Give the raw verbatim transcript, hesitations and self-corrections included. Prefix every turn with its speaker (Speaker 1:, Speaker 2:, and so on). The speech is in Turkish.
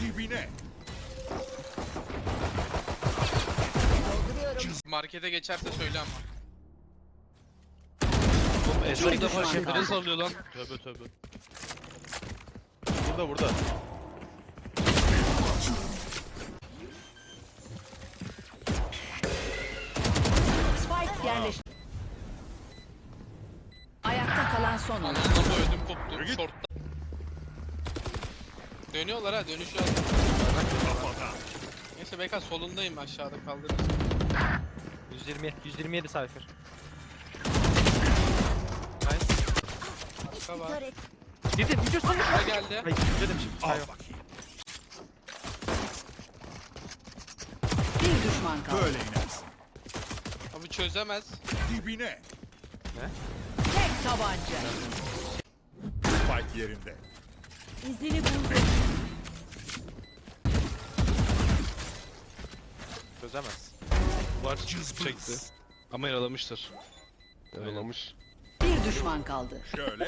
Speaker 1: Dibine.
Speaker 2: Markete geçerse söyle ama.
Speaker 3: Oğlum Esra ilk defa
Speaker 4: düşman
Speaker 3: şefere
Speaker 4: kaldı.
Speaker 3: sallıyor lan. Tövbe tövbe. Burada burada.
Speaker 4: Spike yerleşti. Ayakta kalan son oyuncu.
Speaker 2: Anlamda ödüm koptu. Short'ta. Dönüyorlar ha, dönüşüyor.
Speaker 1: Kafada.
Speaker 2: Neyse Beka solundayım, aşağıda kaldırırım.
Speaker 5: yüz yirmi, yüz yirmi yedi Cypher.
Speaker 2: Nice. Tamam.
Speaker 5: Dedim video sonu.
Speaker 2: Ne geldi?
Speaker 5: Hayır dedim şimdi.
Speaker 1: Al
Speaker 5: Hayır.
Speaker 1: bakayım.
Speaker 4: Bir düşman kaldı.
Speaker 1: Böyle inersin.
Speaker 2: Abi çözemez.
Speaker 1: Dibine.
Speaker 4: Tek tabanca.
Speaker 1: Spike yerinde.
Speaker 4: İzini buldu.
Speaker 3: Çözemez. Var çekti. Ama yaralamıştır. Yaralamış.
Speaker 4: Bir düşman kaldı.
Speaker 1: Şöyle.